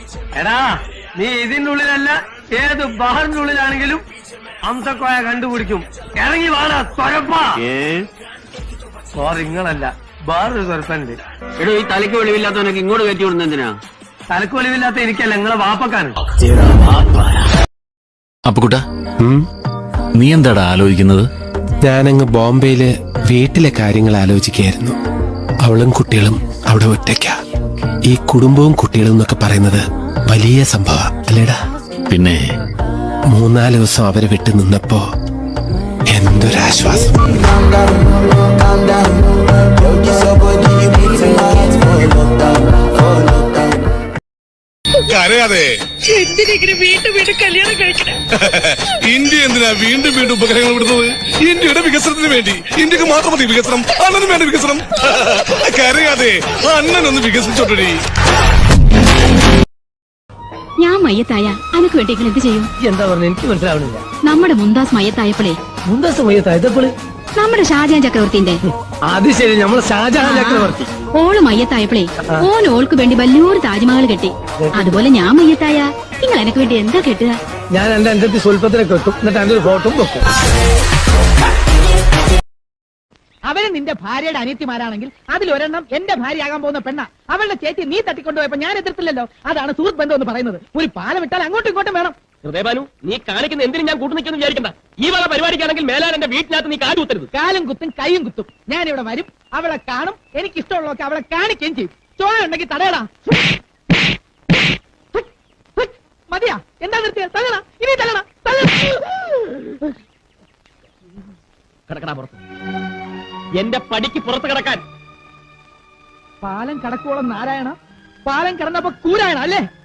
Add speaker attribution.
Speaker 1: എടാ നീ ഇതിന്റെ ഉള്ളിലല്ല ഏത് ബഹറിന്റെ ഉള്ളിലാണെങ്കിലും അംസക്കോയ കണ്ടുപിടിക്കും. ഇറങ്ങി വാടാ തൊരപ്പാ. നിങ്ങളല്ല വേറൊരു തൊരപ്പനുണ്ട്.
Speaker 2: എടോ ഈ തലയ്ക്ക് വെളിവില്ലാത്തവനൊക്കെ ഇങ്ങോട്ട് കയറ്റി വിടുന്ന എന്തിനാ?
Speaker 1: തലക്ക് വെളിവില്ലാത്ത എനിക്കല്ല, നിങ്ങളെ വാപ്പക്കാണ്.
Speaker 3: അപ്പുകുട്ട, നീ എന്താടാ ആലോചിക്കുന്നത്?
Speaker 4: ഞാനങ്ങ് ബോംബെയില് വീട്ടിലെ കാര്യങ്ങൾ ആലോചിക്കുകയായിരുന്നു. അവളും കുട്ടികളും അവിടെ ഒറ്റയ്ക്ക. ഈ കുടുംബവും കുട്ടികളും എന്നൊക്കെ പറയുന്നത് വലിയ സംഭവ അല്ലേടാ?
Speaker 3: പിന്നെ
Speaker 4: 3-4 ദിവസം അവരെ വിട്ടു നിന്നപ്പോ എന്തൊരാശ്വാസം.
Speaker 5: കരയാതെ ഇന്ത്യ എന്തിനാ വീണ്ടും വീണ്ടും ഉപഗ്രഹങ്ങൾ വിടുന്നത്? ഇന്ത്യയുടെ വികസനത്തിന് വേണ്ടി. ഇന്ത്യക്ക് മാത്രം മതി വികസനം, അണ്ണനും വേണ്ട വികസനം. കരയാതെ അണ്ണനൊന്ന് വികസിച്ചോട്ടടി.
Speaker 6: ഞാൻ മയ്യത്തായ അനക്ക് വേണ്ടിയെങ്കിൽ എന്ത് ചെയ്യും?
Speaker 1: എന്താ പറഞ്ഞ എനിക്ക് മനസ്സിലാവണില്ല.
Speaker 6: നമ്മുടെ മുന്താസ് മയ്യത്തായപ്പോളേ.
Speaker 1: മുന്താസ് മയ്യത്തായപ്പോള്?
Speaker 6: നമ്മുടെ ഷാജഹാൻ ചക്രവർത്തിന്റെ.
Speaker 1: അത് ശരി, നമ്മളെ ഷാജഹാൻ ചക്രവർത്തി.
Speaker 6: ഓള് മയ്യത്തായപ്പോളേ ഓൾക്ക് വേണ്ടി വലിയൊരു താജ്മഹൽ കെട്ടി. അതുപോലെ ഞാൻ മയ്യത്തായ നിങ്ങൾ എനക്ക് വേണ്ടി എന്താ കെട്ടുക?
Speaker 1: ഞാൻ എന്റെ അഞ്ചത്തി സ്വൽപ്പത്തിനെ കെട്ടും, എന്നിട്ട് അതിന്റെ ഒരു ഫോട്ടോ വെക്കും.
Speaker 7: അവര് നിന്റെ ഭാര്യയുടെ അനിയത്തിമാരാണെങ്കിൽ അതിലൊരെണ്ണം എന്റെ ഭാര്യയാകാൻ പോകുന്ന പെണ്ണ. അവളുടെ ചേച്ചി നീ തട്ടിക്കൊണ്ടുപോയപ്പോ ഞാൻ എതിർത്തില്ലല്ലോ. അതാണ് സുഹൃത്ത് ബന്ധം എന്ന് പറയുന്നത്. ഒരു പാലം ഇട്ടാൽ അങ്ങോട്ടും ഇങ്ങോട്ടും വേണം.
Speaker 2: ഹൃദയബാനു, നീ കാണിക്കുന്ന എന്തിനും ഞാൻ കൂട്ടുനിൽക്കുന്നു വിചാരിക്കണ്ട. ഈ വക പരിപാടിക്കാണെങ്കിൽ മേലാൻ എന്റെ വീട്ടിനകത്ത് നീ കാല് കുത്തരുത്.
Speaker 7: കാലും കുത്തും കൈയും കുത്തും. ഞാൻ ഇവിടെ വരും, അവളെ കാണും, എനിക്ക് ഇഷ്ടമുള്ളതൊക്കെ അവളെ കാണിക്കുകയും ചെയ്യും. ചോര ഉണ്ടെങ്കിൽ തടയടാ. മതിയാ? എന്താ നിർത്തിയ? തല്ലണ, ഇനി തല്ലണ.
Speaker 2: കിടക്കടാ പുറത്ത്. എന്റെ പടിക്ക് പുറത്ത് കിടക്കാൻ.
Speaker 7: പാലം കടക്കോളം നാരായണ, പാലം കിടന്നപ്പോ കൂരായണ അല്ലേ?